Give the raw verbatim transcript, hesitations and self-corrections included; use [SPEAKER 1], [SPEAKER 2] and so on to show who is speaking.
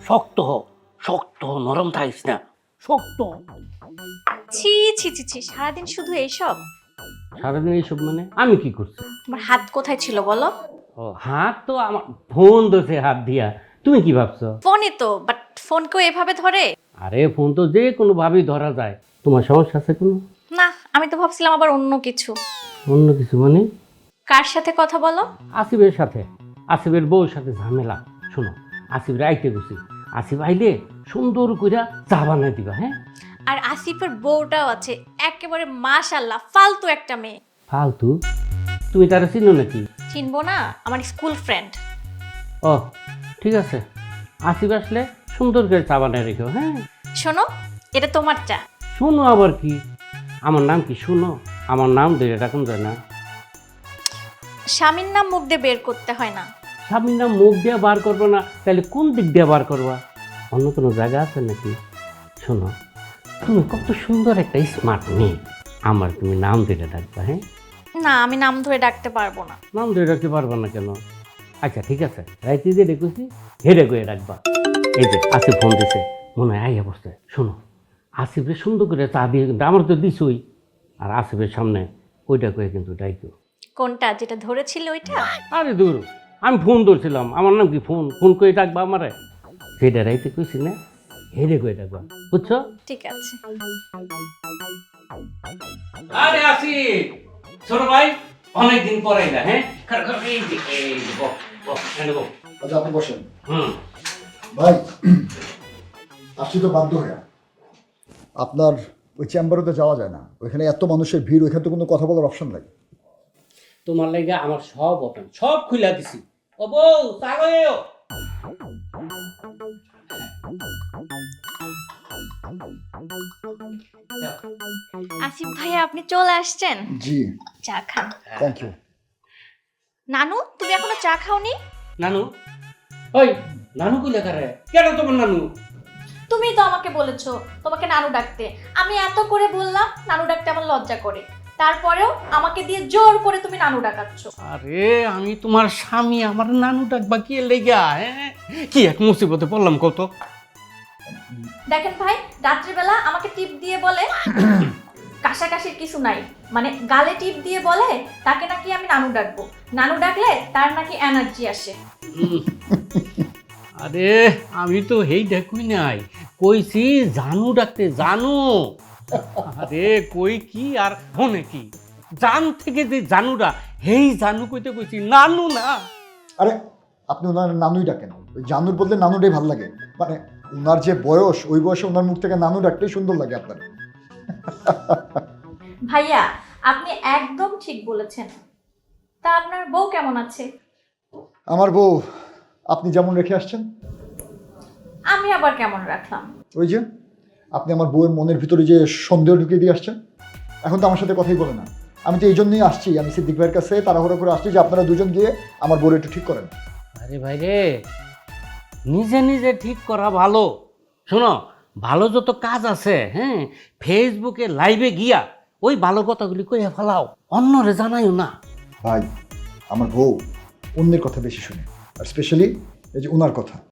[SPEAKER 1] শক্ত হ, শক্ত হ, নরম থাকিস না, শক্ত হ।
[SPEAKER 2] ছি ছি ছি ছি, সারাদিন শুধু এইসব।
[SPEAKER 1] সারাদিন এইসব মানে আমি কি করছি?
[SPEAKER 2] তোমার হাত কোথায় ছিল বলো?
[SPEAKER 1] ও হাত তো আমার ফোন ধরছে হাত দিয়া, তুমি কি ভাবছো?
[SPEAKER 2] ফোনই তো, বাট ফোন কেউ এভাবে ধরে?
[SPEAKER 1] আরে ফোন তো যে কোনো ভাবেই ধরা যায়। তোমার সমস্যা আছে কোনো?
[SPEAKER 2] না, আমি তো ভাবছিলাম আবার অন্য কিছু।
[SPEAKER 1] অন্য কিছু মানে?
[SPEAKER 2] কার সাথে কথা বলো?
[SPEAKER 1] আসিফের সাথে, আসিফের বউর সাথে ঝামেলা। শোনো, আসিফ রাইতে গেছি, আসিফ আইলে সুন্দর কইরা চা বানাই দিবা। হ্যাঁ,
[SPEAKER 2] আর আসিফের বউটাও আছে, একেবারে মাশাআল্লাহ ফালতু একটা মেয়ে।
[SPEAKER 1] ফালতু? তুমি তারা চিনো নাকি?
[SPEAKER 2] চিনবো না, আমার স্কুল ফ্রেন্ড।
[SPEAKER 1] ও ঠিক আছে, আসিফ আসলে সুন্দর করে চা বানাই রেখো। হ্যাঁ
[SPEAKER 2] শোনো, এটা তোমার চা।
[SPEAKER 1] শোনো আবার কি? আমার নাম কি শুনো? আমার নাম ধরে রাখুন যায় না?
[SPEAKER 2] স্বামীর নাম মুখ দিয়ে বের করতে হয় না।
[SPEAKER 1] স্বামীর নাম মুখ দিয়ে বার করবো না, তাহলে কোন দিক দিয়ে বার করবা? অন্য কোনো জায়গা আছে নাকি? শোনো, তুমি কত সুন্দর একটা স্মার্ট মেয়ে, আমার তুমি নাম ধরে ডাকবা। হ্যাঁ,
[SPEAKER 2] না, আমি নাম ধরে ডাকতে পারবো না।
[SPEAKER 1] নাম ধরে রাখতে পারবা না কেন? আচ্ছা ঠিক আছে, রাইতে যে ডেকেছি হেডে করে রাখবা। এই যে আসিফ ফোন দিছে, মনে হয় আইয়া বসছে। শোনো, আসিফের সুন্দর করে চা দিয়ে, কিন্তু আমার তো দিছই, আর আসিফের সামনে ওইটা করে কিন্তু ডাইকো।
[SPEAKER 2] কোনটা, যেটা ধরেছিল ওইটা?
[SPEAKER 1] আরে দূর, আমি ফোন ধরছিলাম, আমার নাম কি ফোন ফোন করে ডাকবা আমারে? সেটা রাইতে কইছি না, হেডে করে ডাকবা, বুঝছো?
[SPEAKER 2] ঠিক আছে।
[SPEAKER 1] আরে আসিফ, ছোট ভাই, অনেকদিন পরে এলা। হ্যাঁ, খার খার, এই যে এই যে, বস বস, এনে বস।
[SPEAKER 3] আচ্ছা আপনি বসেন
[SPEAKER 1] হুম,
[SPEAKER 3] ভাই। আসছি তো বাধ্য হয়ে। আপনার ওই চেম্বারে তো যাওয়া যায় না, ওইখানে এত মানুষের ভিড়, ওইখানে তো কোনো কথা বলার অপশন নাই।
[SPEAKER 1] তোমার লাগে আমার সব ওপেন, সব খুলে দিছি। ও বউ, তাগো।
[SPEAKER 2] আসিফ ভাইয়া, আপনি চলে আসছেন?
[SPEAKER 3] জি,
[SPEAKER 2] চা খান।
[SPEAKER 3] Thank you.
[SPEAKER 2] নানু, তুমি এখনো চা খাওনি?
[SPEAKER 1] নানু? ওই নানু কইলা কারে? কেন তোমার নানু?
[SPEAKER 2] তুমি তো আমাকে বলেছো তোমাকে নানু ডাকতে। আমি এত করে বললাম নানু ডাকতে আমার লজ্জা করে, তারপরেও আমাকে দিয়ে জোর করে তুমি নানু ডাকাচ্ছ।
[SPEAKER 1] আরে আমি তোমার স্বামী, আমার নানু ডাকবা কি লেগা? হ্যাঁ, কি এক মুসিবতে পড়লাম কত।
[SPEAKER 2] দেখেন ভাই, রাত্রিবেলা আমাকে টিপ দিয়ে বলে কাশাকাশির কিছু নাই, মানে গালে টিপ দিয়ে বলে তাকে নাকি আমি নানু ডাকবো, নানু ডাকলে তার নাকি এনার্জি আসে।
[SPEAKER 1] আরে আমি তো হেই ডাকুই নাই, কইছি জানু ডাকতে, জানু। আরে কই কি আর হনে কি, জান থেকে যে জানুরা, হেই জানু কইতে কইছি, নানু না।
[SPEAKER 3] আরে আপনি ওনার নানুই ডাকেন, ওই জানুর বদলে নানুটাই ভালো লাগে। মানে ওনার যে বয়স, ওই বয়সে ওনার মুখ থেকে নানু ডাকলেই সুন্দর লাগে আপনার।
[SPEAKER 2] ভাইয়া, আপনি একদম ঠিক বলেছেন। তা আপনার বউ কেমন আছে?
[SPEAKER 3] আমার বউ আপনি যেমন রেখে আসছেন,
[SPEAKER 2] আমি আবার কেমন রাখলাম?
[SPEAKER 3] ওই যে আপনি আমার বউয়ের মনের ভিতরে যে সন্দেহ ঢুকিয়ে দিয়ে আসছেন, এখন তো আমার সাথে কথাই বলে না। আমি তো এই জন্যই আসছি, আমি সিদ্দিক ভাইয়ের কাছে তাড়াহুড়ো করে আসছি যে আপনারা দুজন গিয়ে আমার বউয়ের একটু ঠিক করেন।
[SPEAKER 1] আরে ভাই রে, নিজে নিজে ঠিক করা ভালো। শোনো, ভালো যত কাজ আছে, হ্যাঁ, ফেসবুকে লাইভে গিয়া ওই ভালো কথাগুলি কইয়া ফেলাও, অন্যরে জানাইও না।
[SPEAKER 3] ভাই, আমার বউ অন্যের কথা বেশি শুনে, আর স্পেশালি এই যে ওনার কথা।